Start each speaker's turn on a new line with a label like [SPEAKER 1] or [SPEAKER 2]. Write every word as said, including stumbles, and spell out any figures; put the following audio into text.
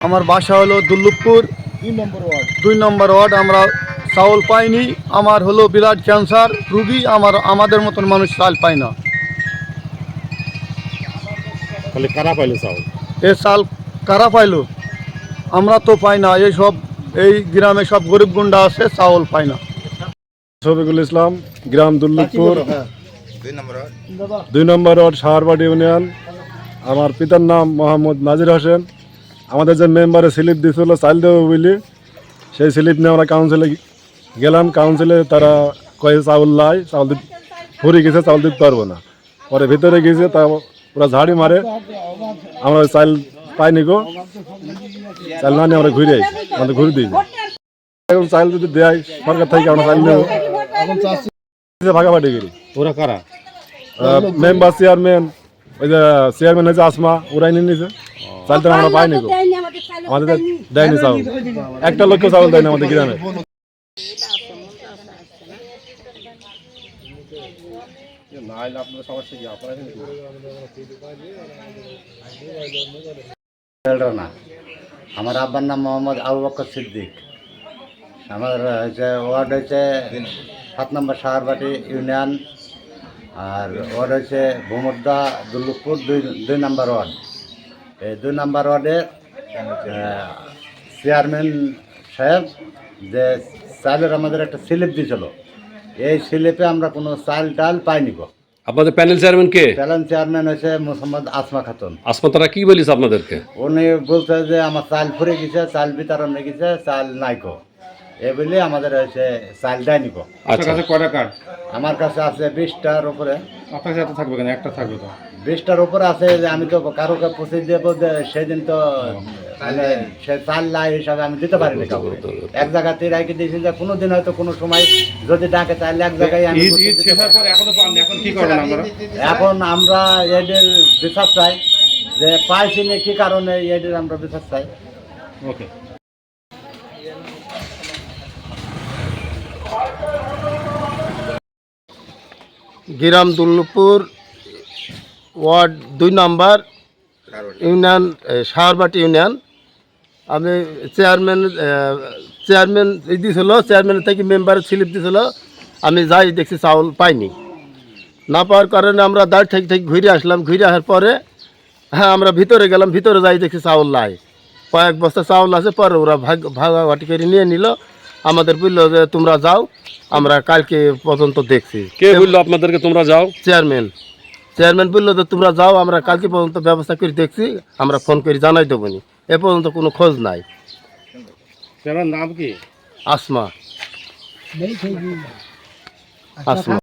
[SPEAKER 1] আমার বাসা হলো দুর্লভপুর
[SPEAKER 2] দুই নম্বর ওয়ার্ড।
[SPEAKER 1] দুই নম্বর ওয়ার্ড। আমরা চাউল পাইনি। আমার হলো ব্লাড ক্যান্সার রুগী। আমার আমাদের মতন মানুষ চাল পায় না।
[SPEAKER 2] তাহলে কারা পাইলো চাউল?
[SPEAKER 1] এ চাল কারা পাইলো? আমরা তো পাই না। এই সব এই গ্রামে সব গরিব গুন্ডা আছে, চাউল পায় না।
[SPEAKER 3] শফিকুল ইসলাম, গ্রাম দুর্লভপুর, দুই নম্বর ওয়ার্ড, সাহারবাড়ি ইউনিয়ন। আমার পিতার নাম মোহাম্মদ নাজির হোসেন। আমাদের যে মেম্বারে স্লিপ দিয়েছিল চাল দেবো বলি, সেই স্লিপ নিয়ে আমরা কাউন্সিলে গেলাম। কাউন্সিলে তারা কয়ে চাউল লাই, চাউল দিতে ফুরি গেছে, চাউল দিতে পারবো না। পরে ভিতরে গেছে, তা ওরা ঝাড়ি মারে। আমরা চাল পাইনি গো, চাল না নিয়ে আমরা ঘুরে আই, আমাদের ঘুরে দিই। এখন চাল যদি দেয় সরকার থেকে, আমরা চাল নেবো। ভাগাভাগি করি।
[SPEAKER 2] ওরা কারা?
[SPEAKER 3] মেম্বার চেয়ারম্যান, ওই যে চেয়ারম্যান হয়েছে আসমা, ওরাই নিয়ে নিয়েছে। চালটা আমরা পাইনি গো, আমাদের দেয়নি চাউল। একটা লক্ষ চাউল দেয়নি আমাদের গ্রামে।
[SPEAKER 4] না, আমার আব্বার নাম মোহাম্মদ আবু বকর সিদ্দিক। আমার হচ্ছে ওয়ার্ড হচ্ছে সাত নম্বর সাহারবাটি ইউনিয়ন, আর ওয়ার্ড হচ্ছে ভূমদ্দা দুর্লভপুর দুই দুই নম্বর ওয়ার্ড। এই দুই নম্বর ওয়ার্ডে চেয়ারম্যান সাহেব যে চালের আমাদের একটা স্লিপ দিয়েছিল, এই স্লিপে আমরা কোনো চাল টাল পাইনি গো।
[SPEAKER 5] আপনাদের প্যানেল চেয়ারম্যান কে?
[SPEAKER 4] প্যানেল চেয়ারম্যান হচ্ছে মোহাম্মদ আসমা খাতুন।
[SPEAKER 5] আসমা, তারা কি বলিস আপনাদেরকে?
[SPEAKER 4] উনি বলছে যে আমার চাল ফুরে গেছে, চাল বিতরণ হয়ে গেছে, চাল নাই গো, এ বলে আমাদের হচ্ছে চাল দেয়নি গো।
[SPEAKER 5] আচ্ছা,
[SPEAKER 2] কয়টা কার্ড?
[SPEAKER 4] আমার কাছে আছে বিশটার উপরে।
[SPEAKER 2] আপনার সাথে থাকবে কেন? একটা থাকবে তো।
[SPEAKER 4] বিশটার উপরে আছে, যে আমি তো কারোকে পৌঁছে দেবো, সেদিন তো মানে সে চাল লাই হিসাবে আমি দিতে পারিনি কাউকে। এক জায়গাতে রাখি দিয়েছি যে কোনো দিন হয়তো কোনো সময় যদি ডাকে তাহলে এক জায়গায় আমি। এখন আমরা এদের বিচার চাই যে পাইছি না কি কারণে, এদের আমরা বিচার চাই।
[SPEAKER 2] ওকে।
[SPEAKER 1] গ্রাম দুর্লভপুর, ওয়ার্ড দুই নম্বর ইউনিয়ন, সাহারবাটি ইউনিয়ন। আমি চেয়ারম্যান চেয়ারম্যান দিয়েছিল, চেয়ারম্যান থেকে মেম্বারের স্লিপ দিয়েছিল। আমি যাই দেখছি চাউল পাইনি। না পাওয়ার কারণে আমরা দাঁড় থেকে থেকে ঘুরে আসলাম। ঘুরে আসার পরে হ্যাঁ আমরা ভিতরে গেলাম। ভিতরে যাই দেখছি চাউল লাই, কয়েক বস্তা চাউল আছে। পরে ওরা ভাগ ভাগাভাগি করে নিয়ে নিল। আমাদের বললো যে তোমরা যাও, আমরা কালকে পর্যন্ত দেখছি।
[SPEAKER 5] কে বললো আপনাদেরকে তোমরা যাও?
[SPEAKER 1] চেয়ারম্যান চেয়ারম্যান বললো যে তোমরা যাও, আমরা কালকে পর্যন্ত ব্যবস্থা করে দেখছি, আমরা ফোন করে জানাই দেবো নি। এ পর্যন্ত কোনো খোঁজ নাই।
[SPEAKER 2] নাম কি?
[SPEAKER 1] আসমা। আসমা।